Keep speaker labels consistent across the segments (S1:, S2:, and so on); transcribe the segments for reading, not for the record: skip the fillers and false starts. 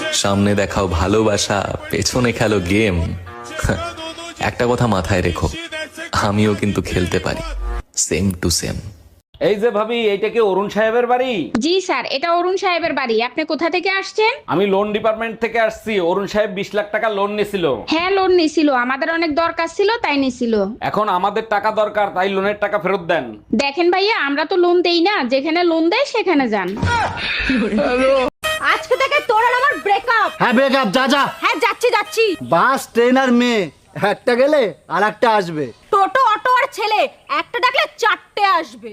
S1: সামনে দেখাও ভালোবাসা, পেছনে খেলো গেম। একটা কথা মাথায় রেখো, আমিও কিন্তু খেলতে পারি, সেম টু সেম।
S2: এই যে ভাবি, এইটা কি অরুণ সাহেবের বাড়ি?
S3: জি স্যার, এটা অরুণ সাহেবের বাড়ি। আপনি কোথা থেকে আসছেন?
S2: আমি লোন ডিপার্টমেন্ট থেকে আসছি। অরুণ সাহেব 20 লাখ টাকা লোন নিছিল।
S3: হ্যাঁ, লোন নিছিল, আমাদের অনেক দরকার ছিল তাই নিছিল।
S2: এখন আমাদের টাকা দরকার, তাই লোনের টাকা ফেরত দেন।
S3: দেখেন ভাইয়া, আমরা তো লোন দেই না, যেখানে লোন দেয় সেখানে যান।
S4: আজকে থেকে তোর আর আমার ব্রেকআপ।
S5: হ্যাঁ ব্রেকআপ, যা যা।
S4: হ্যাঁ যাচ্ছি।
S5: বাস, ট্রেন আর মেয়ে, একটা গেলে আর একটা আসবে।
S4: টোটো, অটো আর ছেলে, একটা ডাকলে চারটে আসবে।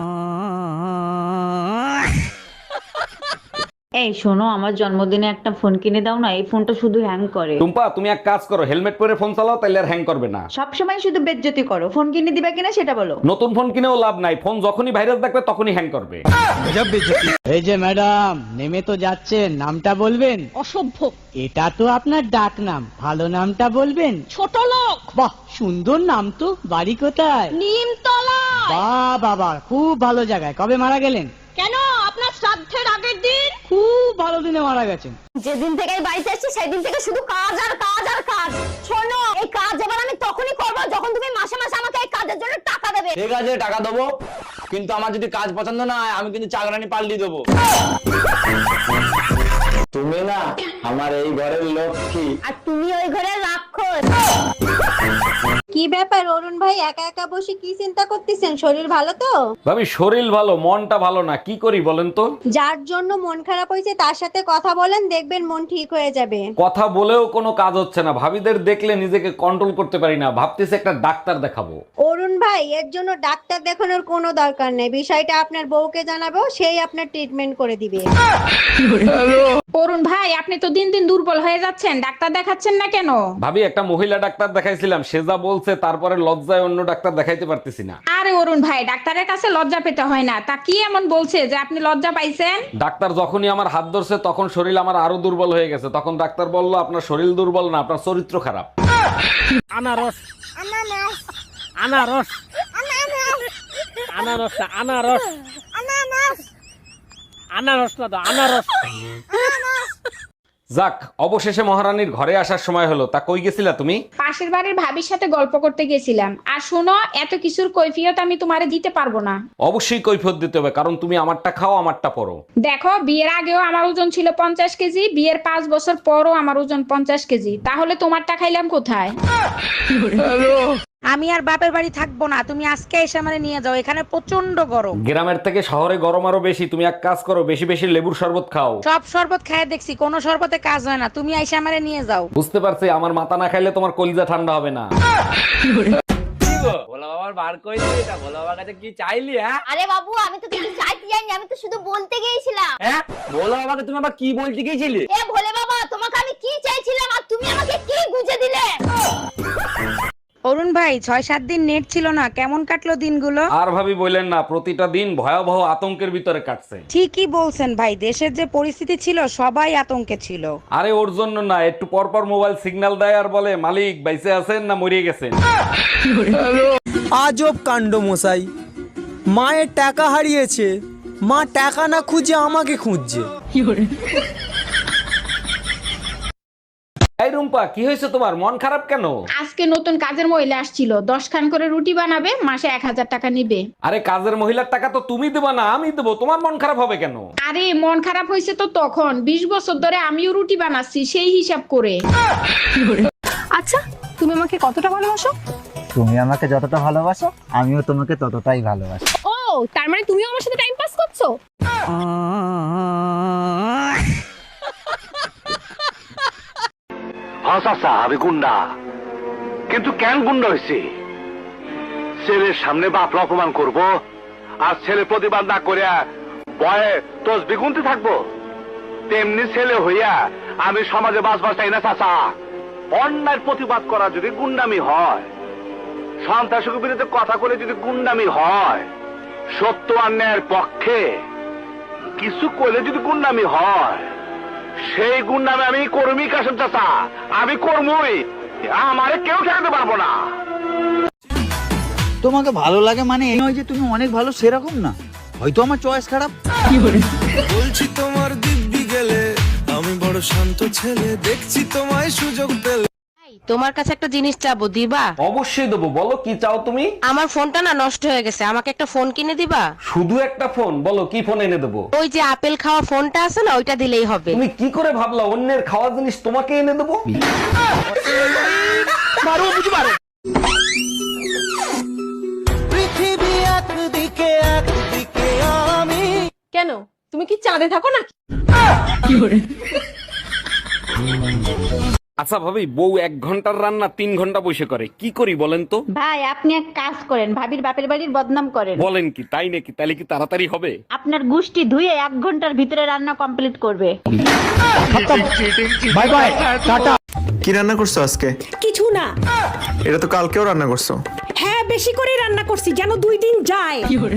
S6: এই শোনো, আমার জন্মদিনে একটা ফোন কিনে দাও না, এই ফোনটা শুধু হ্যাং করে।
S2: টুম্পা, তুমি এক কাজ করো, হেলমেট পরে ফোন চালাও, তাইলে আর হ্যাং করবে না।
S6: সবসময় শুধু বেজ্জতি করো। ফোন কিনে দিবা কিনা সেটা বলো।
S2: নতুন ফোন কিনেও লাভ নাই, ফোন যখনই ভাইরাস দেখবে তখনই হ্যাং করবে।
S7: এই যে ম্যাডাম, নেমে তো যাচ্ছেন, নামটা বলবেন?
S4: অসভ্য।
S7: এটা তো আপনার ডাক নাম, ভালো নামটা বলবেন?
S4: ছোট লোক।
S7: বাহ, সুন্দর নাম তো। বাড়ি কোথায়?
S4: নিমতলা।
S7: বাবা, খুব ভালো জায়গায়। কবে মারা গেলেন?
S4: কেন, আপনার শ্রাদ্ধের আগের দিন।
S7: খুব ভালো দিনে মারা গেছেন।
S4: যেদিন থেকে এই বাড়িতে এসেছি সেদিন থেকে শুধু কাজ আর কাজ আর কাজ। শোনো, এই কাজ এবার আমি তখনই করব যখন তুমি মাসে মাসে আমাকে এই কাজের জন্য টাকা দেবে।
S8: ঠিক আছে, টাকা দেবো, কিন্তু আমার যদি কাজ পছন্দ না হয় আমি কিন্তু চাকরানি পাল্টি দেবো। তুমি না আমার এই ঘরের লক্ষ্মী।
S4: আর তুমি ওই ঘরে রাক্ষস।
S9: কি ব্যাপার অরুণ ভাই, একা একা বসে কি চিন্তা করতেছেন? শরীর ভালো তো?
S2: ভাবি, শরীর ভালো, মনটা ভালো না। কি করি বলেন তো?
S9: যার জন্য মন খারাপ হয়েছে তার সাথে কথা বলেন, দেখবেন মন ঠিক হয়ে যাবে।
S2: কথা বলেও কোনো কাজ হচ্ছে না। ভাবিদের দেখলে নিজেকে কন্ট্রোল করতে পারি না, ভাবতেছি একটা ডাক্তার দেখাবো।
S9: অরুণ ভাই, এর জন্য ডাক্তার দেখানোর কোনো দরকার নেই। বিষয়টা আপনার বউকে জানাবো, সেই আপনার ট্রিটমেন্ট করে দিবে।
S3: অরুণ ভাই, আপনি তো দিন দিন দুর্বল হয়ে যাচ্ছেন, ডাক্তার দেখাচ্ছেন না কেন?
S2: ভাবি, একটা মহিলা ডাক্তার দেখাইছিলাম, সে যা বলছে তারপরে লজ্জায় অন্য ডাক্তার দেখাইতে পারতেছি না।
S3: আরে অরুণ ভাই, ডাক্তারের কাছে লজ্জা পেতে হয় না। তা কি এমন বলছে যে আপনি লজ্জা পাইছেন?
S2: ডাক্তার যখনই আমার হাত ধরছে তখন শরীর আমার আরো দুর্বল হয়ে গেছে। তখন ডাক্তার বলল, আপনার শরীর দুর্বল না, আপনার চরিত্র খারাপ।
S7: আনারস, আনারস, আনারস, আনারস, আনারস না তো, আনারস।
S2: যাক, অবশেষে মহারানীর ঘরে আসার সময় হলো। তা কই গেছিলা তুমি?
S3: পাশের বাড়ির ভাবির সাথে গল্প করতে গেছিলাম। আর শোনো, এত কিছুর কৈফিয়ত আমি তোমারে দিতে পারবো না।
S2: অবশ্যই কৈফিয়ত দিতে হবে, কারণ তুমি আমারটা খাও, আমারটা পরো।
S3: দেখো, বিয়ের আগেও আমার ওজন ছিল 50 কেজি, বিয়ের 5 বছর পরও আমার ওজন 50 কেজি। তাহলে তোমারটা খাইলাম কোথায়?
S10: আমি আর বাপের বাড়ি থাকবো না, তুমি আজকে এসে আমারে নিয়ে যাও, এখানে প্রচন্ড গরম।
S2: গ্রামের থেকে শহরে গরম আরো বেশি। তুমি এক কাজ করো, বেশি বেশি লেবুর শরবত খাও।
S10: সব শরবত খায় দেখছি, কোনো শরবতে কাজ হয় না, তুমি এসে আমারে নিয়ে যাও।
S2: বুঝতে পারছি, আমার মাথা না খাইলে তোমার কলিজা ঠান্ডা হবে না।
S8: ভোলা বাবার বার করে দিলি, এটা ভোলা বাবার কাছে কি চাইলি? হ্যাঁ
S4: আরে বাবু, আমি তো কিছু চাইতে যাইনি, আমি তো শুধু বলতে গিয়েছিলাম।
S8: হ্যাঁ, ভোলা বাবাকে তুমি আবার কি বলতে গিয়েছিলি?
S4: এ ভোলে বাবা, তোমাকে আমি কি চাইছিলাম আর তুমি আমাকে কি গুঁজে দিলে?
S10: অরুণ ভাই, 6-7 দিন নেট ছিল না, কেমন কাটলো দিনগুলো?
S2: আর ভাবি বললেন না, প্রতিটা দিন ভয়াবহ আতঙ্কের ভিতরে কাটছে।
S10: ঠিকই বলছেন ভাই, দেশের যে পরিস্থিতি ছিল সবাই আতঙ্কে ছিল।
S2: আরে ওর জন্য না, একটু পর পর মোবাইল সিগন্যাল দেয় আর বলে, মালিক বাইসে আছেন না মরিয়ে গেছেন।
S5: আজব কাণ্ড মশাই, মায়ের টাকা হারিয়েছে, মা টাকা না খুঁজে আমাকে খুঁজছে।
S2: এই রুম্পা, কি হয়েছে তোমার? মন খারাপ কেন?
S3: আজকে নতুন কাজের মহিলা আসছিল, 10 খান করে রুটি বানাবে, মাসে 1000 টাকা নিবে।
S2: আরে কাজের মহিলার টাকা তো তুমি দেবা না, আমি দেবো। তোমার মন খারাপ হবে কেন?
S3: আরে মন খারাপ হয়েছে তো তখন, 20 বছর ধরে আমিও রুটি বানাচ্ছি, সেই হিসাব করে।
S4: আচ্ছা, তুমি আমাকে কতটা ভালোবাসো?
S5: তুমি আমাকে যতটা ভালোবাসো, আমিও তোমাকে ততটাই ভালোবাসি।
S4: ও, তার মানে তুমিও আমার সাথে টাইম পাস করছো?
S11: আমি গুন্ডা, কিন্তু কেন গুন্ডা হয়েছি? ছেলের সামনে বাপরা অপমান করব আর ছেলে প্রতিবাদ না করে ভয়ে তসবি গুনতে থাকবো? তেমনি ছেলে হইয়া আমি সমাজে বাঁচবার চাই না চাচা। অন্যায়ের প্রতিবাদ করা যদি গুন্ডামি হয়, সন্ত্রাসের বিরুদ্ধে কথা বলে যদি গুন্ডামি হয়, সত্য অন্যায়ের পক্ষে কিছু করলে যদি গুন্ডামি হয়, সেই গুন্ডামি আমি কর্মী কাশেম চাচা, আমি কর্মই। আমারে কেউ ঠেকাতে পারবো না।
S5: তোমাকে ভালো লাগে মানে এই নয় যে তুমি অনেক ভালো, সেরকম না। হয়তো আমার চয়েস খারাপ।
S12: বলছি তোমার দিব্যি গেলে আমি বড়
S5: শান্ত ছেলে দেখছি তোমায় সুযোগ পেলে।
S10: তোমার কাছে একটা জিনিস চাবো, দিবা?
S2: অবশ্যই দেবো, বলো কি চাও তুমি?
S10: আমার ফোনটা না নষ্ট হয়ে গেছে, আমাকে একটা ফোন কিনে দিবা?
S2: শুধু একটা ফোন? বলো কি ফোন এনে দেবো?
S10: ওই যে আপেল খাওয়া ফোনটা আছে না, ওইটা দিলেই হবে।
S2: তুমি কি করে ভাবলা অন্যের খাওয়া জিনিস তোমাকে এনে দেবো?
S5: পৃথিবী একদিকে একদিকে আমি।
S10: কেন, তুমি কি চাঁদে থাকো না?
S2: আচ্ছা ভাবি, বউ 1 ঘন্টার রান্না 3 ঘন্টা বসে করে, কি করি বলেন তো?
S6: ভাই আপনি এক কাজ করেন, ভাবির বাপের বাড়ির বদনাম করেন।
S2: বলেন কি, তাই নাকি? তাহলে কি তাড়াতাড়ি হবে?
S6: আপনার গুষ্টি ধুয়ে 1 ঘন্টার ভিতরে রান্না কমপ্লিট করবে।
S7: Bye bye, tata.
S5: কি রান্না করছো আজকে?
S10: কিছু না।
S5: এটা তো কালকেও রান্না করছো।
S10: হ্যাঁ, বেশি করে রান্না করছি যেন 2 দিন যায়।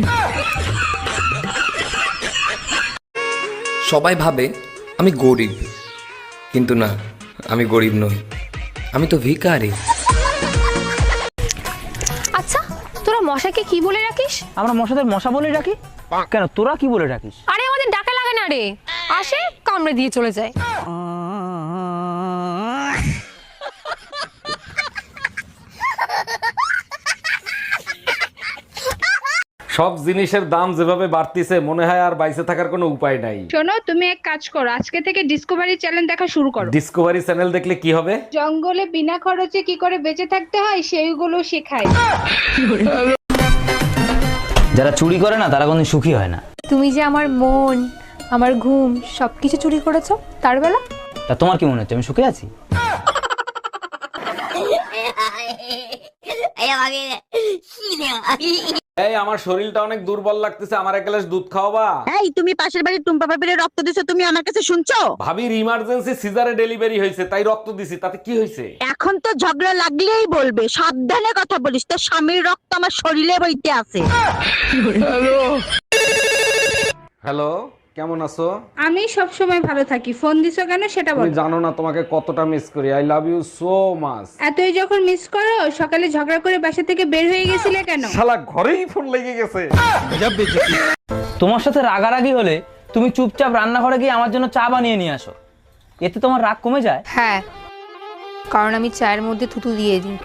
S1: সবাই ভাবে আমি গরিব, কিন্তু না, আমি গরিব নই, আমি তো ভিখারি।
S4: আচ্ছা, তোরা মশাকে কি বলে রাখিস?
S7: আমরা মশাদের মশা বলে রাখি। কেন, তোরা কি বলে রাখিস?
S4: আরে আমাদের ডাকা লাগে না রে, আসে কামড়ে দিয়ে চলে যায়।
S2: সব জিনিসের দাম যেভাবে বাড়তিছে, মনে হয় আর বাইসে থাকার কোনো উপায় নাই।
S3: শোনো, তুমি এক কাজ করো, আজকে থেকে ডিসকভারি চ্যানেল দেখা শুরু করো।
S2: ডিসকভারি চ্যানেল দেখলে কি হবে?
S3: জঙ্গলে বিনা খরচে কি করে বেঁচে থাকতে হয় সেইগুলো শেখায়।
S7: যারা চুরি করে না তারা কোনদিন সুখী হয় না।
S4: তুমি যে আমার মন, আমার ঘুম সবকিছু চুরি করেছো, তার বেলা
S7: তা তোমার কি মনে হচ্ছে আমি সুখে আছি?
S2: এই আমার শরীরটা অনেক দুর্বল লাগতেছে, আমার 1 গ্লাস দুধ খাওয়াবা?
S10: এই, তুমি পাশের বাড়ির টুম্পা ভাবির রক্ত দিছো, তুমি আমার কাছে শুনছো?
S2: ভাবির ইমার্জেন্সি সিজারে ডেলিভারি হয়েছে, তাই রক্ত দিছি, তাতে কি হয়েছে?
S10: এখন তো ঝগড়া লাগলেই বলবে, সাবধানে কথা বলিস, তোর স্বামীর রক্ত আমার শরীরে বইতে আছে।
S2: হ্যালো, কেমন আছো?
S3: আমি সব সময় ভালো থাকি, ফোন দিছো কেন সেটা
S2: তুমি
S3: বলো।
S2: জানো না তোমাকে কতটা মিস করি, I love you so much.
S3: এতই যখন মিস করো, সকালে ঝগড়া করে বাসা থেকে বের হয়ে গেছিলে কেন?
S2: শালা ঘরেই ফোন লেগে গেছে।
S7: তোমার সাথে রাগারাগি হলে তুমি চুপচাপ রান্নাঘরে গিয়ে আমার জন্য চা বানিয়ে নিয়ে আসো, এতে তোমার রাগ কমে যায়।
S4: হ্যাঁ, কারণ আমি চায়ের মধ্যে থুতু দিয়ে দিই।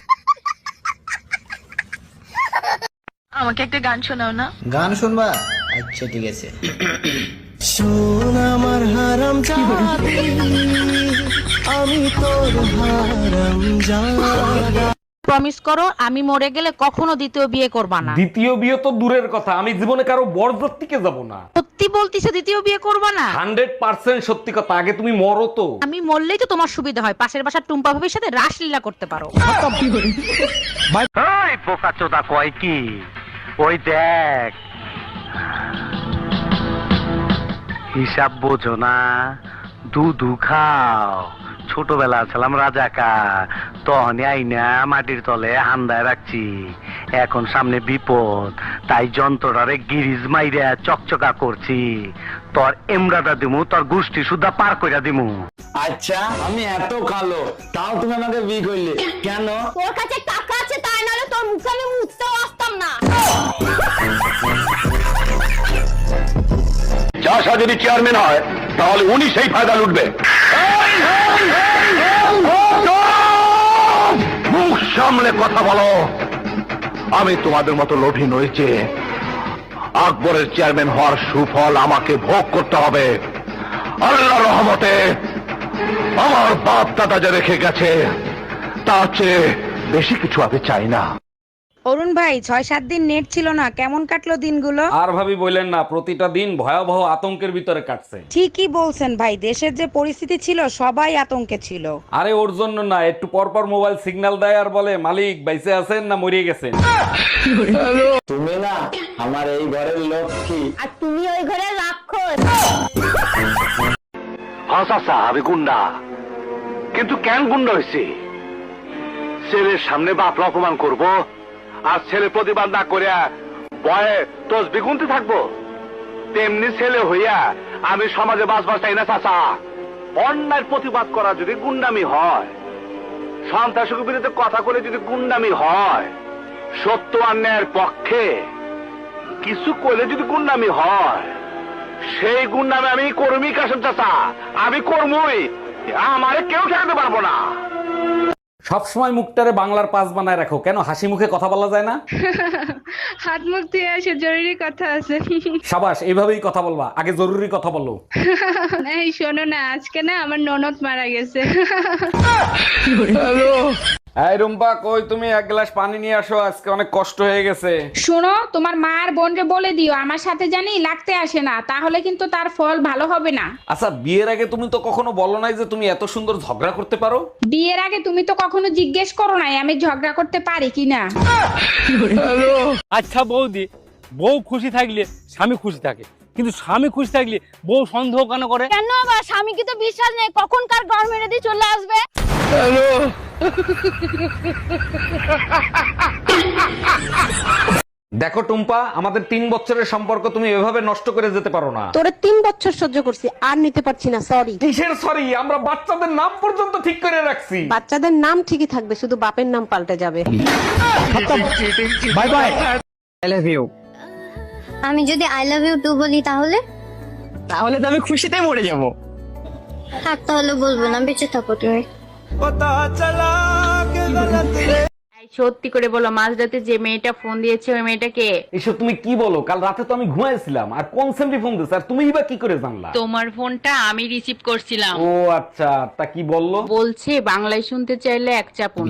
S10: আমাকে একটা গান শোনাও না।
S5: গান শুনবা? আচ্ছা ঠিক আছে। শোন আমার হারাম জানি, আমি তোর হারাম জানি।
S10: প্রমিস করো, আমি মরে গেলে কখনো দ্বিতীয় বিয়ে করবা না।
S2: দ্বিতীয় বিয়ে তো দূরের কথা, আমি জীবনে কারো বরযাত্রীকে যাব না।
S10: সত্যি বলতিছো দ্বিতীয় বিয়ে করবা না?
S2: 100% সত্যি কথা, আগে তুমি মরো তো।
S10: আমি মরলেই তো তোমার সুবিধা হয়, পাশের বাসার টুম্পা ভাবির সাথে রাসলীলা করতে পারো।
S11: এই বোকাচোদা কয় কি, ওই দেখ, হিসাব বোঝো না, দুধু খাও। ছোটবেলা ছিলাম রাজাকার, তখন আইনা মাটির তলে হান্দায় রাখছি। এখন সামনে বিপদ, তাই যন্ত্রটারে গিরিজ মাইরা চকচকা করছি। তোর এমরাটা দিমু, তোর গোষ্ঠী সুদ্ধা পার কইরা দিমু।
S8: আচ্ছা, আমি এত কালো, তাও তুমি আমাকে বিয়ে করলে কেন?
S4: তোর কাছে টাকা আছে তাই, নাহলে তোর মুখে আমি মুছতেও আসতাম না।
S11: চাষা যদি চেয়ারম্যান হয় তাহলে উনি সেই ফায়দা লুটবে। মুখ সামলে কথা বলো, আমি তোমাদের মতো লোভী নই যে আকবরের চেয়ারম্যান হওয়ার সুফল আমাকে ভোগ করতে হবে। আল্লাহর রহমতে আমার বাপ দাদা যা রেখে গেছে তার চেয়ে বেশি কিছু আমি চাই না।
S10: অরুণ ভাই, 6-7 দিন নেট ছিল না, কেমন কাটলো দিনগুলো?
S2: আর ভাবি বললেন না, প্রতিটা দিন ভয়াবহ আতঙ্কের ভিতরে কাটছে।
S10: ঠিকই বলছেন ভাই, দেশের যে পরিস্থিতি ছিল সবাই আতঙ্কে ছিল।
S2: আরে ওর জন্য না, একটু পর পর মোবাইল সিগন্যাল দেয় আর বলে মালিক বাইসে আছেন না মরিয়ে গেছেন।
S8: তুমি না আমার এই ঘরের লক্ষ্মী।
S4: আর তুমি ওই ঘরে রাক্ষস।
S11: হাসা আমি গুন্ডা, কিন্তু কেন গুন্ডা হয়েছি? ছেলের সামনে বাপরা অপমান করব আর ছেলে প্রতিবাদ না করিয়া ভয়ে তসবি গুনতে থাকবো? তেমনি ছেলে হইয়া আমি সমাজে বাঁচবার চাই না চাচা। অন্যায়ের প্রতিবাদ করা যদি গুন্ডামি হয়, সন্ত্রাসের বিরুদ্ধে কথা বলে যদি গুন্ডামি হয়, সত্য অন্যায়ের পক্ষে কিছু করলে যদি গুন্ডামি হয়, সেই গুন্ডামি আমি কর্মী কাশেম চাচা, আমি কর্মই, আমারে কেউ ঠেকাতে পারবো না।
S2: সবসময় মুখটারে বাংলার পাস বানায় রাখো, কেন হাসি মুখে কথা বলা যায় না?
S3: হাত মুখ ধুয়ে আসে, জরুরি কথা আছে।
S2: সাবাস, এইভাবেই কথা বলবা, আগে জরুরি কথা বলো।
S3: এই শোনো না, আজকে না আমার ননদ মারা গেছে।
S2: এই রুম্পা, কই তুমি? এক গ্লাস পানি নিয়ে আসো, আজকে অনেক কষ্ট হয়ে গেছে।
S3: শোনো, তোমার মা আর বোনকে বলে দিও আমার সাথে জানি লাগতে আসে না, তাহলে কিন্তু তার ফল ভালো হবে না।
S2: আচ্ছা, বিয়ের আগে তুমি তো কখনো বলো নাই যে তুমি এত সুন্দর ঝগড়া করতে পারো।
S3: বিয়ের আগে তুমি তো কখনো জিজ্ঞেস করো নাই আমি ঝগড়া করতে পারি কিনা।
S7: আচ্ছা বৌদি, বউ খুশি থাকলে স্বামী খুশি থাকে, কিন্তু স্বামী খুশি থাকলে বউ সন্দেহ কেন করে?
S4: কেন আবার স্বামী কি তো বিশ্বাস নেই কখন কার ঘর মেরে দিয়ে চলে আসবে?
S2: দেখো টুম্পা, আমাদের 3 বছরের সম্পর্ক তুমি এভাবে নষ্ট করে যেতে পারো না।
S9: তোরে 3 বছর সহ্য করছি, আর নিতে পারছি না, সরি।
S2: কিসের সরি? আমরা বাচ্চাদের নাম পর্যন্ত ঠিক করে রাখছি।
S9: বাচ্চাদের নাম ঠিকই থাকবে, শুধু বাপের নাম পাল্টে যাবে।
S7: Bye bye, I love you.
S4: আমি যদি আই লাভ ইউ টু বলি তাহলে?
S7: তাহলে তো আমি খুশিতে মরে যাব।
S4: থাক তাহলে বলবো না, বেঁচে থাকো তুমি।
S6: সত্যি করে বলো, মাঝরাতে যে মেয়েটা ফোন দিয়েছে ওই মেয়েটা কে?
S2: এসব তুমি কি বলো? কাল রাতে তো আমি ঘুমাইছিলাম, আর কোন সেমটি ফোন দিছে, আর তুমিই বা কি করে জানলা?
S6: তোমার ফোনটা আমি রিসিভ করছিলাম।
S2: ও আচ্ছা, তা কি বললো?
S6: বলছে বাংলায় শুনতে চাইলে এক চাপুন।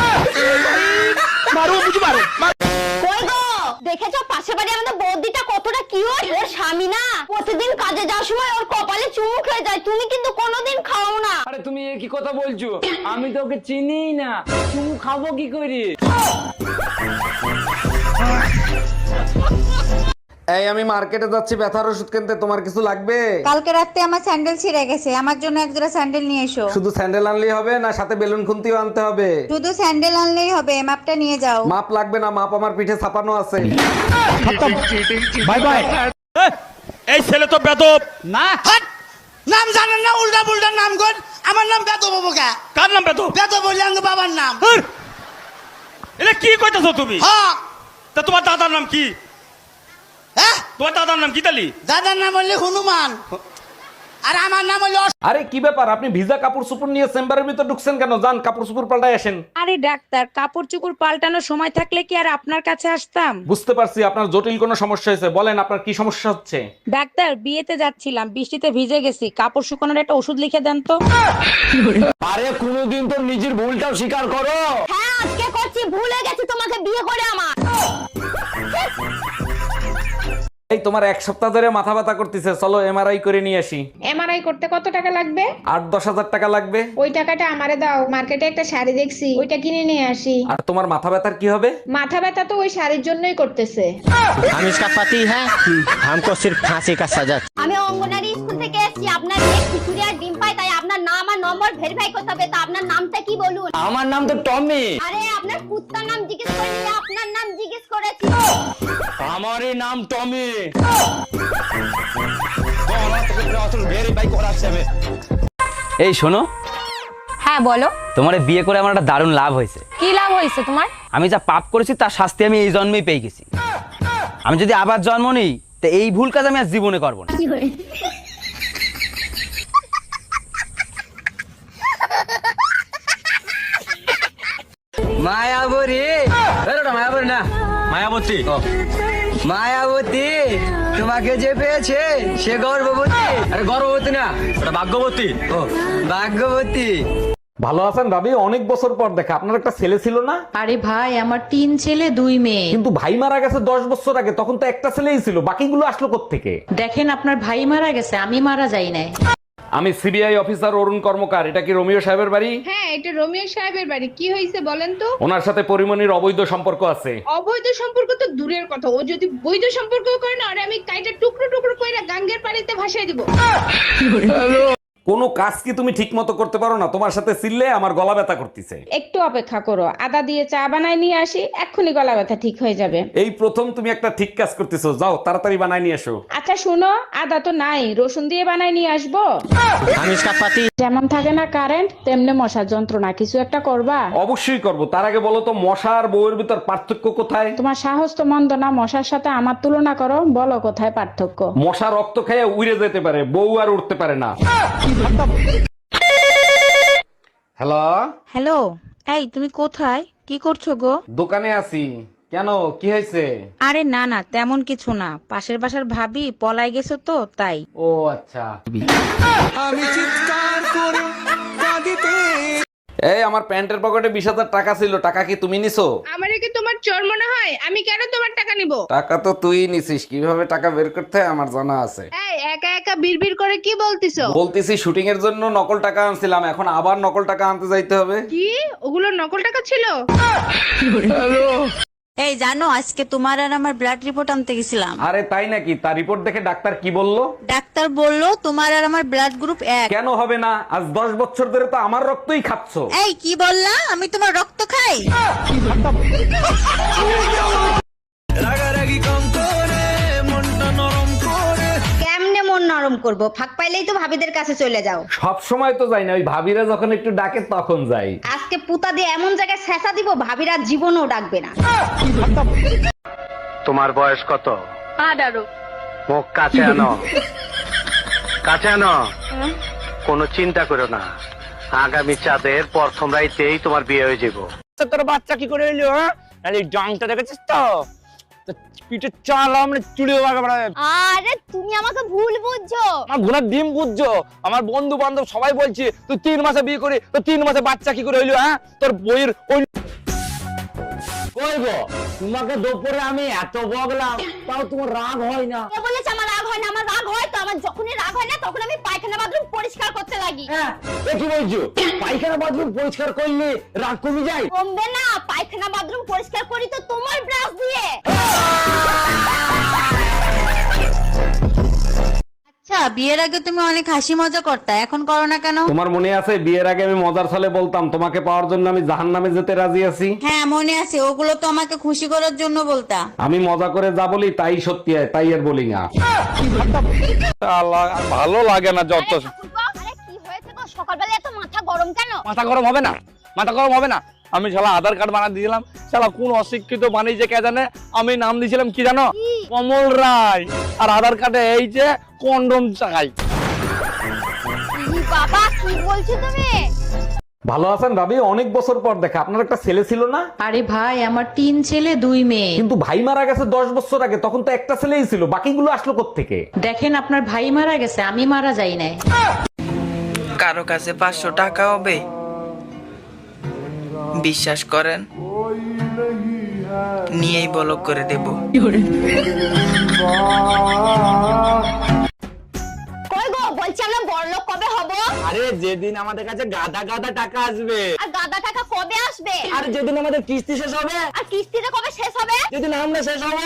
S4: কই গো, দেখেছো পাশের বাড়ি আমাদের বৌদিটা কতটা কিউট? ওর স্বামী না প্রতিদিন কাজে যাওয়ার সময় ওর কপালে চুমু খেয়ে যায়, তুমি কিন্তু কোনোদিন খাও না।
S7: আরে তুমি কি কথা বলছো? আমি তো ওকে চিনিই না, তুমি খাবো কি করে?
S2: এই আমি মার্কেটে যাচ্ছি ব্যথার ওষুধ কিনতে, তোমার কিছু লাগবে?
S9: কালকে রাতে আমার স্যান্ডেল ছিঁড়ে গেছে, আমার জন্য এক জোড়া স্যান্ডেল নিয়ে এসো।
S2: শুধু স্যান্ডেল আনলেই হবে না, সাথে বেলুন খুন্তিও আনতে হবে?
S9: শুধু স্যান্ডেল আনলেই হবে, মাপটা নিয়ে যাও।
S2: মাপ লাগবে না, মাপ আমার পিঠে ছাপানো আছে।
S7: Bye bye.
S8: এই ছেলে তো বেদব।
S7: না,
S5: নাম জানেন না? উল্টা পুল্টা নাম কর। আমার নাম বেদব বাবুকা।
S8: কার নাম বেদব?
S5: বেদব বললে আমার বাবার নাম।
S8: এটা কি কইতাছো তুমি?
S5: হ্যাঁ।
S8: তা তোমার দাদার নাম কি?
S5: হ্যাঁ,
S8: তোমার দাদার নাম কি তালি?
S5: দাদার নাম হলে হনুমান, আর আমার নাম হলো।
S2: আরে কি ব্যাপার, আপনি ভিজা কাপড় চোপড় নিয়ে চেম্বারের ভিতর ঢুকছেন কেন? যান কাপড় চোপড় পাল্টাই আসেন।
S3: আরে ডাক্তার, কাপড় চোপড় পাল্টানোর সময় থাকলে কি আর আপনার কাছে আসতাম?
S2: বুঝতে পারছি আপনার জটিল কোনো সমস্যা হয়েছে, বলেন আপনার কি সমস্যা হচ্ছে?
S3: ডাক্তার, বিয়েতে যাচ্ছিলাম, বৃষ্টিতে ভিজে গেছি, কাপড় শুকানোর একটা ওষুধ লিখে দেন তো।
S8: আরে কোনোদিন তো নিজের ভুলটাও স্বীকার করো।
S4: হ্যাঁ আজকে করছি, ভুলে গেছি তোমাকে বিয়ে করে আমার।
S2: এই তোমার 1 সপ্তাহ ধরে মাথা ব্যথা করতেছে, চলো এমআরআই করে নিয়ে আসি।
S3: এমআরআই করতে কত টাকা লাগবে?
S2: 8-10 হাজার টাকা লাগবে।
S3: ওই টাকাটা আমারে দাও, মার্কেটে একটা শাড়ি দেখছি, ওইটা কিনে নিয়ে আসি।
S2: আর তোমার মাথা ব্যথার কি হবে?
S3: মাথা ব্যথা তো ওই শাড়ির জন্যই করতেছে।
S7: हम इसका पति है, हमको सिर्फ फांसी का सजा।
S4: আমি অঙ্গনারী স্কুল থেকে এসেছি, আপনার মেয়ে খিচুড়ি আর ডিম পাই, তাই আপনার নাম আর নম্বর ভেরিফাই করতে হবে। তা আপনার নামটা কি বলুন?
S8: আমার নাম তো টমি।
S4: আরে আপনার কুত্তার নাম জিজ্ঞেস করিনি, আপনার নাম জিজ্ঞেস করেছি।
S8: আমারই নাম টমি। ভেরিফাই করাচ্ছে আমি।
S7: এই শোনো,
S4: হ্যাঁ বলো,
S7: তোমার এই বিয়ে করে আমার একটা দারুণ লাভ হয়েছে।
S4: কি লাভ হয়েছে তোমার?
S7: আমি যা পাপ করেছি তার শাস্তি আমি এই জন্মেই পেয়ে গেছি। আমি যদি আবার জন্ম নিই তো এই ভুল কাজ আমি আর জীবনে করবো না। মায়াবতী, মায়াবতী না,
S8: মায়াবতী।
S7: মায়াবতী তোমাকে যে পেয়েছে সে গর্ভবতী।
S8: আরে গর্ভবতী না, ওটা ভাগ্যবতী।
S7: ও ভাগ্যবতী।
S2: ভালো আছেন ভাবি? অনেক বছর পর দেখা। আপনার একটা ছেলে ছিল না?
S6: আরে ভাই, আমার 3 ছেলে 2 মেয়ে।
S2: কিন্তু ভাই মারা গেছে 10 বছর আগে, তখন তো একটা ছেলেই ছিল, বাকিগুলো আসলো কোত্থেকে?
S6: দেখেন, আপনার ভাই মারা গেছে, আমি মারা যাই নাই।
S2: আমি সিবিআই অফিসার অরুণ কর্মকার। এটা কি রোমিও সাহেবের বাড়ি?
S3: হ্যাঁ, এটা রোমিও সাহেবের বাড়ি। কি হয়েছে বলেন তো?
S2: ওনার সাথে পরিমণির অবৈধ সম্পর্ক আছে।
S3: অবৈধ সম্পর্ক তো দূরের কথা, ও যদি বৈধ সম্পর্ক করে না, আরে আমি কাইটা টুকরো টুকরো কইরা গাঙ্গের পানিতে ভাসাই দিব।
S2: কোনো কাজ কি তুমি ঠিক মতো করতে পারো না? তোমার সাথে চিল্লে আমার গলা ব্যথা করতেছে।
S3: একটু অপেক্ষা করো, আদা দিয়ে চা বানায় নিয়ে আসি, এক্ষুনি গলা ব্যথা ঠিক হয়ে যাবে।
S2: এই প্রথম তুমি একটা ঠিক কাজ করতেছো, যাও তাড়াতাড়ি বানাই নিয়ে এসো।
S3: আচ্ছা শুনো, আদা তো নাই, রসুন দিয়ে বানায় নিয়ে আসবো। যেমন থাকে না কারেন্ট, তেমনি মশার যন্ত্রণা, কিছু একটা করবা?
S2: অবশ্যই করব, তার আগে বলো তো মশা আর বউয়ের ভিতর পার্থক্য কোথায়?
S3: তোমার সাহস তো মন্দ না, মশার সাথে আমার তুলনা করো, বলো কোথায় পার্থক্য?
S2: মশা রক্ত খেয়ে উড়ে যেতে পারে, বউ আর উঠতে পারে না। হ্যালো
S10: হ্যালো, এই তুমি কোথায়, কি করছো গো?
S2: দোকানে আছি। কেন, কি হয়েছে?
S10: আরে না না, তেমন কিছু না, পাশের বাসার ভাবি পলাই গেছো তো তাই।
S2: ও আচ্ছা।
S5: আমি চিৎকার করে কাঁদিতে
S2: এই আমার প্যান্টের পকেটে 20,000 টাকা ছিল, টাকা কি তুমি নিছো?
S3: আমারে কি তোমার চোর মনে হয়? আমি কেন তোমার টাকা নিব?
S2: টাকা তো তুই নিছিস, কিভাবে টাকা বের করতে হয় আমার জানা আছে।
S3: এই একা একা বিড়বিড় করে কি বলতিছো?
S2: বলতেছি শুটিং এর জন্য নকল টাকা আনছিলাম, এখন আবার নকল টাকা আনতে যাইতে হবে।
S3: কি ওগুলো নকল টাকা ছিল?
S10: এই জানো, আজকে তোমার আর আমার ব্লাড রিপোর্ট আনতে গেছিলাম।
S2: আরে তাই নাকি? তার রিপোর্ট দেখে ডাক্তার কি বললো?
S10: ডাক্তার বললো তোমার আর আমার ব্লাড গ্রুপ এক।
S2: কেন হবে না? আজ 10 বছর ধরে তো আমার রক্তই খাচ্ছ।
S10: এই কি বললা, আমি তোমার রক্ত খাই?
S5: রাগারাগি কম করে মনটা নরম করে।
S4: কেমনে মন নরম করব? ফাঁক পাইলেই তো ভাবিদের কাছে চলে যাও।
S2: সব সময় তো যাই না, ওই ভাবিরা যখন একটু ডাকে তখন যাই।
S4: আজকে পুতা দিয়ে এমন জায়গায় ছেঁচা দিব, ভাবিরা জীবনও ডাকবে না।
S11: তোমার বয়স কত?
S4: 18।
S11: মুখ কাছে আনো, কাছে আনো। কোনো চিন্তা করো না, আগামী চাঁদের প্রথম রাইতেই তোমার বিয়ে হয়ে যাবো।
S8: তোর বাচ্চা কি করে এলো? হ্যাঁ, এই ডাংটা দেখেছিস তো? তো পিঠে চাল আমরা চুড়িও বাগাবে।
S4: আরে তুমি আমাকে ভুল বুঝছো।
S8: আমার ঘোড়ার ডিম বুঝছো? আমার বন্ধু বান্ধব সবাই বলছে তুই 3 মাসে বিয়ে করে, তো 3 মাসে বাচ্চা কি করে হইলো? হ্যাঁ, তোর বইয়ের ওই কই গো, তোমাকে দুপুরে আমি এত বকলাম, তাও তোমার রাগ হয় না?
S4: কে বলেছে আমার রাগ হয় না? আমার রাগ হয় তো, আমার যখনই রাগ হয় না তখন আমি পায়খানা বাথরুম পরিষ্কার করতে লাগি।
S8: হ্যাঁ, এ কি বলছো? পায়খানা বাথরুম পরিষ্কার করলে রাগ কমে যায়?
S4: কমবে না, পায়খানা বাথরুম পরিষ্কার করি তো তোমার ব্রাশ দিয়ে।
S10: আচ্ছা, বিয়ের আগে তুমি অনেক হাসি মজা করতা, এখন করো না কেন?
S2: তোমার মনে আছে বিয়ের আগে আমি মজার ছলে বলতাম তোমাকে পাওয়ার জন্য আমি জাহান্নামে যেতে রাজি আছি?
S10: হ্যাঁ মনে আছে, ওগুলো তো আমাকে খুশি করার জন্য বলতা।
S2: আমি মজা করে যা বলি তাই সত্যি হয়, তাই আর বলি না।
S8: ভালো লাগে না যত।
S4: আরে কি হয়েছে গো, সকালবেলা এত মাথা গরম কেন?
S8: মাথা গরম হবে না, মাথা গরম হবে না। আমি শালা আধার কার্ড বানিয়ে দিয়েছিলাম, শালা কোন অশিক্ষিত বানিয়েছে কে জানে, আমি নাম দিয়েছিলাম কি জানো? কমল রায়। আর আধার কার্ডে এই যে কন্ডম চাই।
S4: বাবা কি বলছো তুমি?
S2: ভালো আছেন ভাবি? অনেক বছর পর দেখা। আপনার একটা ছেলে ছিল না?
S6: আরে ভাই, আমার 3 ছেলে 2 মেয়ে।
S2: কিন্তু ভাই মারা গেছে 10 বছর আগে, তখন তো একটা ছেলেই ছিল, বাকিগুলো আসলো কোত্থেকে?
S6: দেখেন, আপনার ভাই মারা গেছে, আমি মারা যাই নাই।
S7: কারো কাছে 500 টাকা হবে? বিশ্বাস করেন, নিয়েই ব্লক করে দেব।
S4: কই গো, বলছি আমরা বড়লোক কবে হব?
S8: আরে যেদিন আমাদের কাছে গাদা গাদা টাকা আসবে।
S4: আর গাদা টাকা কবে আসবে?
S8: আর যেদিন আমাদের কিস্তি শেষ হবে।
S4: আর কিস্তিটা কবে শেষ হবে?
S8: যেদিন আমরা শেষ হবো।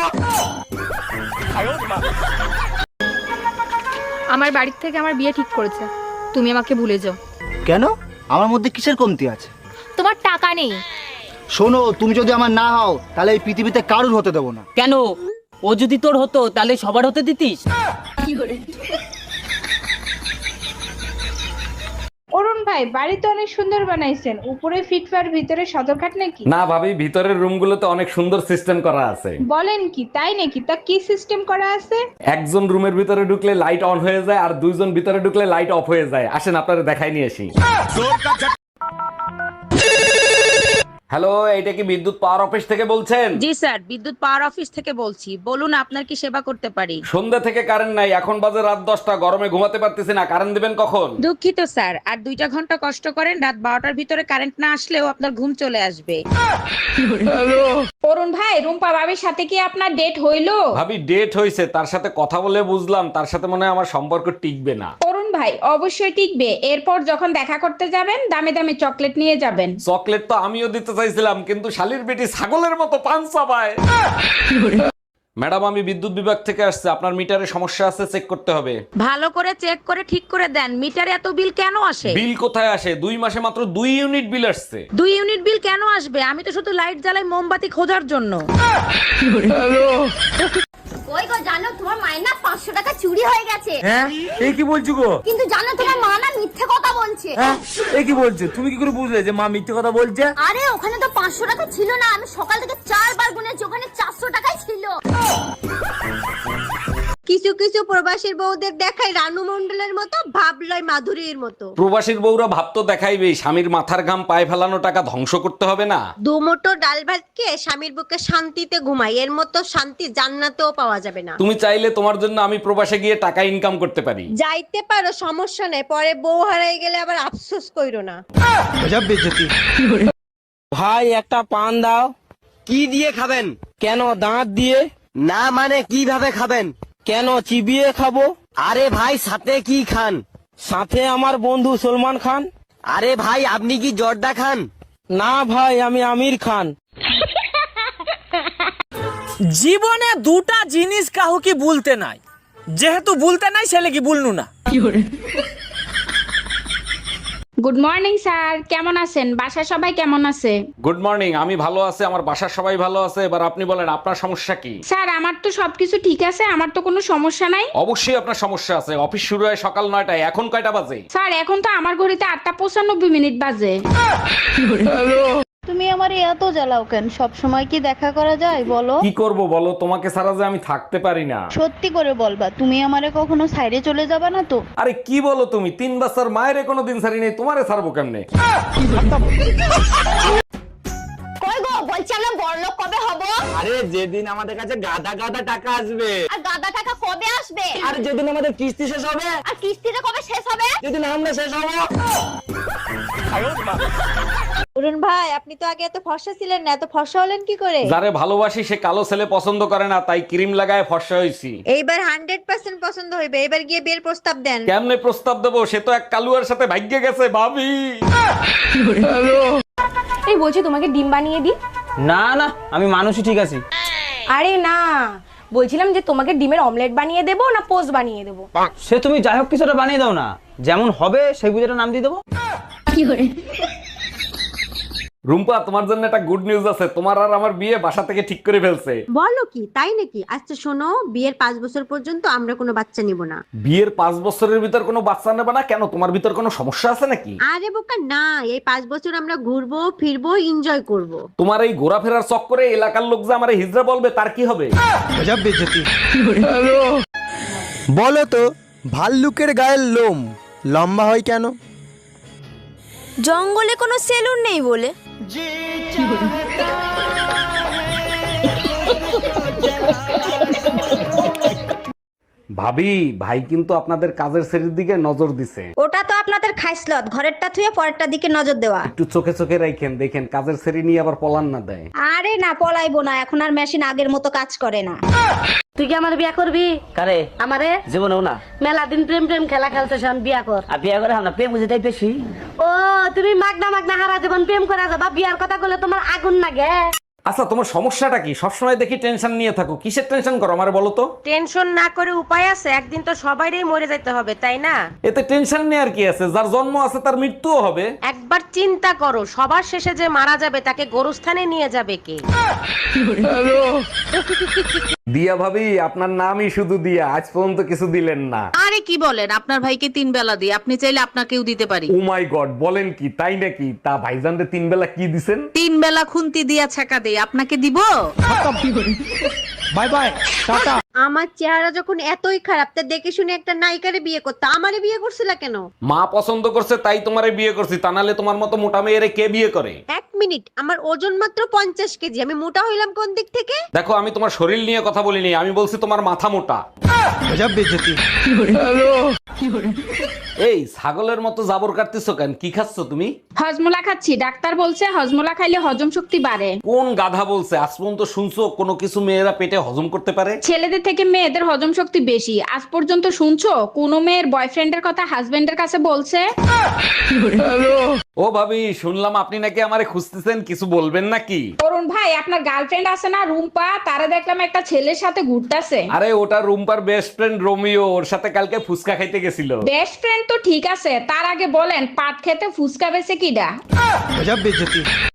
S3: আমার বাড়ির থেকে আমার বিয়ে ঠিক করেছে, তুমি আমাকে ভুলে যাও।
S5: কেন? আমার মধ্যে কিসের কমতি আছে?
S3: তোমার টাকা নেই।
S5: শোনো, তুমি যদি আমার না হও তাহলে এই পৃথিবীতে কারুর হতে দেবো না।
S7: কেন? ও যদি তোর হতো তাহলে সবার হতে দিতিস?
S3: অরুণ ভাই, বাড়ি তো অনেক সুন্দর বানাইছেন, উপরে ফিটফার, ভিতরে সদরঘাট নাকি?
S2: না ভাবি, ভিতরের রুমগুলোতে অনেক সুন্দর সিস্টেম করা আছে।
S3: বলেন কি, তাই নাকি? তা কি সিস্টেম করা আছে?
S2: একজন রুমের ভিতরে ঢুকলে লাইট অন হয়ে যায়, আর 2 জন ভিতরে ঢুকলে লাইট অফ হয়ে যায়। আসেন আপনারা দেখাই নিয়ে আসি। হ্যালো, এইটা কি বিদ্যুৎ পাওয়ার অফিস থেকে বলছেন?
S10: জি স্যার, বিদ্যুৎ পাওয়ার অফিস থেকে বলছি, বলুন আপনার কি সেবা করতে পারি?
S2: সন্ধ্যা থেকে কারেন্ট নাই, এখন বাজে রাত 10টা, গরমে ঘুমাতে পারতেছি না, কারেন্ট দিবেন কখন?
S10: দুঃখিত স্যার, আর 2টা ঘন্টা কষ্ট করেন, রাত 12টার ভিতরে কারেন্ট না আসলেও আপনার ঘুম চলে আসবে।
S3: অরুণ ভাই, রুম্পা ভাবির সাথে কি আপনার ডেট হইলো?
S2: ভাবি ডেট হইছে, তার সাথে কথা বলে বুঝলাম তার সাথে মনে হয় আমার সম্পর্ক টিকবে না।
S3: অরুণ ভাই, অবশ্যই টিকবে। এরপর যখন দেখা করতে যাবেন, দামে দামে চকলেট নিয়ে যাবেন।
S2: চকলেট তো আমিও দিতে চাইছিলাম, কিন্তু শালির বেটি ছাগলের মতো পান চাবায়। ম্যাডাম আমি বিদ্যুৎ বিভাগ থেকে আসছে, আপনার মিটারে সমস্যা আছে, চেক করতে হবে।
S3: ভালো করে চেক করে ঠিক করে দেন, মিটারে এত বিল কেন আসে?
S2: বিল কোথায় আসে? 2 মাসে মাত্র 2 ইউনিট বিল আসছে।
S3: 2 ইউনিট বিল কেন আসবে? আমি তো শুধু লাইট জ্বালাই মোমবাতি খোঁজার জন্য।
S4: কই গো, জানো তোমার মায়ের না 500 টাকা চুরি হয়ে গেছে।
S8: হ্যাঁ এই কি বলছো গো?
S4: কিন্তু জানো তোমার মা না মিথ্যে কথা বলছে।
S8: হ্যাঁ এই কি বলছো? তুমি কি করে বুঝলে যে মা মিথ্যে কথা বলছে?
S4: আরে ওখানে তো 500 টাকা ছিল না, আমি সকাল থেকে 4 বার গুনেছি, ওখানে 400 টাকাই ছিল।
S9: কিছু কিছু প্রবাসীর বউদের দেখায় রানু মণ্ডলের মতো, ভাবলয় মাধুরীর মতো।
S2: প্রবাসীর বউরা ভাব তো দেখাইবেই, স্বামীর মাথার ঘাম পায়ে ফেলানো টাকা ধ্বংস করতে হবে না।
S9: দুমুঠো ডাল ভাত খেয়ে স্বামীর বুকে শান্তিতে ঘুমাই, এর মতো শান্তি জান্নাতেও পাওয়া যাবে না।
S2: তুমি চাইলে তোমার জন্য আমি প্রবাসে গিয়ে টাকা ইনকাম করতে পারি।
S9: যাইতে পারো, সমস্যা নেই, পরে বউ হারাই গেলে আবার আফসোস কইরো না।
S5: ভাই একটা পান দাও।
S8: কি দিয়ে খাবেন?
S5: কেন, দাঁত দিয়ে?
S8: না মানে কিভাবে খাবেন?
S5: কেন, চিবিয়ে খাবো?
S8: আরে ভাই সাথে কি খান?
S5: সাথে আমার বন্ধু সলমান খান।
S8: আরে ভাই আপনি কি জর্দা খান?
S5: না ভাই, আমি আমির খান। জীবনে দুটা জিনিস কাহু কি বলতে নাই, যেহেতু বলতে নাই সেলে কি বলনু না।
S3: গুড মর্নিং স্যার, কেমন আছেন? বাসায় সবাই কেমন আছে?
S2: গুড মর্নিং, আমি ভালো আছি, আমার বাসার সবাই ভালো আছে। এবার আপনি বলেন আপনার সমস্যা কি?
S3: স্যার আমার তো সবকিছু ঠিক আছে, আমার তো কোনো সমস্যা নাই।
S2: অবশ্যই আপনার সমস্যা আছে। অফিস শুরু হয় সকাল 9টায়, এখন কয়টা বাজে?
S3: স্যার এখন তো আমার ঘড়িতে 8:95 বাজে।
S6: তুমি আমারে এত জ্বালাও কেন? সব সময় কি দেখা করা যায় বলো?
S2: কি করব বলো, তোমাকে ছাড়া যে আমি থাকতে পারি না।
S6: সত্যি করে বলবা, তুমি আমারে কখনো সাইডে চলে যাবা না তো?
S2: আরে কি বলো তুমি, 3 বছর মায়ের কোনো দিন ছাড়ি নেই, তোমারে ছাড়বো কেমনে?
S4: কই গো, বলছি আমরা বড়লোক কবে হব?
S8: আরে যেদিন আমাদের কাছে গাদা গাদা টাকা আসবে।
S4: আর গাদা টাকা কবে আসবে?
S8: আর যেদিন আমাদের কিস্তি শেষ হবে।
S4: আর কিস্তিটা কবে শেষ হবে?
S8: যেদিন আমরা শেষ হবো।
S9: অরুণ ভাই, আপনি তো আগে এত ফর্সা ছিলেন না, এত ফর্সা হলেন কি করে?
S2: যারে ভালোবাসি সে কালো ছেলে পছন্দ করে না, তাই ক্রিম লাগায় ফর্সা হইছি।
S9: এইবার 100% পছন্দ হইবে, এবার গিয়ে বিয়ের প্রস্তাব দেন।
S2: কেমনে প্রস্তাব দেবো? সে তো এক কালুয়ার সাথে ভাগ্যে গেছে ভাবি।
S4: এই বলছি তোমাকে ডিম বানিয়ে দি।
S7: না না, আমি মানুষই ঠিক আছি।
S4: আরে না, বলছিলাম যে তোমাকে ডিমের অমলেট বানিয়ে দেবো না পোস্ট বানিয়ে দেবো?
S7: সে তুমি যাই হোক কিছুটা বানিয়ে দাও না, যেমন হবে সেই বুঝেটা নাম দিয়ে দেবো।
S2: রুম্পা, তোমার জন্য একটা গুড নিউজ আছে, তোমার আর আমার বিয়ে বাসা থেকে ঠিক করে ফেলছে।
S9: বলো কি, তাই নাকি? আচ্ছা শোনো, বিয়ের 5 বছর পর্যন্ত আমরা কোনো বাচ্চা নিব না।
S2: বিয়ের 5 বছরের ভিতর কোনো বাচ্চা নেবে না কেন? তোমার ভিতর কোনো সমস্যা আছে নাকি?
S9: আরে বোকা না, এই 5 বছর আমরা ঘুরবো ফিরবো, এনজয় করব।
S2: তোমার এই ঘোরাফেরার চক্করে এলাকার লোক যে আমারে হিজড়া বলবে, তার কি হবে?
S5: বলো তো, ভাল্লুকের গায়ের লোম লম্বা হয় কেন?
S4: জঙ্গলে কোনো সেলুন নেই বলে।
S2: ভাবি, ভাই কিন্তু আপনাদের কাজের শ্রেণীর দিকে নজর দিছে।
S9: ওটা তো আপনাদের খাইসলত, ঘরেরটা থুয়ে পরেরটা দিকে নজর দেওয়া।
S2: একটু চোখে চোখে রাখেন, দেখেন কাজের শ্রেণী নিয়ে আবার পলান না দেয়।
S9: আরে না, পলাইবো না, এখন আর মেশিন আগের মতো কাজ করে না।
S4: তুই কি আমার বিয়া করবি?
S8: কারে?
S4: আমারে
S8: জীবনেও না।
S4: মেলা দিন প্রেম প্রেম খেলা খেলতে শান, বিয়া কর।
S8: আর বিয়ে করে আমরা প্রেম বুঝে তাই বেশি।
S4: ও তুমি মাগনা মাগনা হারা জীবন প্রেম করে যাবা, বিয়ার কথা বলে তোমার আগুন লাগে।
S2: আচ্ছা তোমার সমস্যাটা কি? সবসময় দেখি টেনশন নিয়ে থাকো, কিসের টেনশন করো আমার বলো তো?
S3: টেনশন না করে উপায় আছে, একদিন তো সবাইরই মরে যেতে হবে, তাই না?
S2: এতে টেনশন নিয়ে আর কি আছে? যার জন্ম আছে তার মৃত্যুও হবে।
S3: একবার চিন্তা করো, সবার শেষে যে মারা যাবে তাকে গোরস্থানে নিয়ে যাবে কে?
S2: দিয়া ভাবি, আপনার নামই শুধু দিয়া, আজ পর্যন্ত কিছু দিলেন না।
S3: আরে কি বলেন, আপনার ভাইকে 3 বেলা দিই, আপনি চাইলে আপনাকেও দিতে পারি।
S2: ও মাই গড, বলেন কি? তাই নাকি? তা ভাইজানরে 3 বেলা কি দিছেন?
S3: 3 বেলা খুন্তি দিয়া ছাকা দেই, আপনাকে দিব?
S5: Bye bye, tata.
S9: আমার চেহারা যখন এতই খারাপ, তা দেখে শুনে একটা নায়িকারে বিয়ে করতে, আমারে বিয়ে করছিলা কেন?
S2: মা পছন্দ করছে তাই তোমারে বিয়ে করছি, তা নাহলে তোমার মতো মোটা মেয়েরে কে বিয়ে করে?
S9: 1 মিনিট, আমার ওজন মাত্র 50 কেজি, আমি মোটা হইলাম কোন দিক থেকে?
S2: দেখো, আমি তোমার শরীর নিয়ে কথা বলিনি, আমি বলছি তোমার মাথা মোটা। এই ছাগলের মতো জাবর কাটতেছো কেন? কি খাচ্ছ তুমি?
S3: হজমোলা খাচ্ছি, ডাক্তার বলছে হজমোলা খাইলে হজম শক্তি বাড়ে।
S2: কোন গাধা বলছে? আজ পর্যন্ত শুনছো কোনো কিছু মেয়েরা পেটে হজম করতে পারে?
S3: ছেলেদের থেকে মেয়েদের হজম শক্তি বেশি। আজ পর্যন্ত শুনছো কোনো মেয়ের বয়ফ্রেন্ডের কথা হাজবেন্ডের কাছে বলছে?
S2: ও ভাবি, শুনলাম আপনি নাকি আমারে খুঁজতেছেন, কিছু বলবেন নাকি?
S3: অরুণ ভাই, আপনার গার্লফ্রেন্ড আছে না রুম্পা, তারা দেখলাম একটা ছেলের সাথে ঘুরতেছে।
S2: আরে ওটা রুম্পার বেস্ট ফ্রেন্ড রোমিও, ওর সাথে কালকে ফুচকা খাইতে গেছিল।
S3: বেস্ট ফ্রেন্ড তো ঠিক আছে, তার আগে বলেন পাট খেতে ফুসকা বেছে কিডা?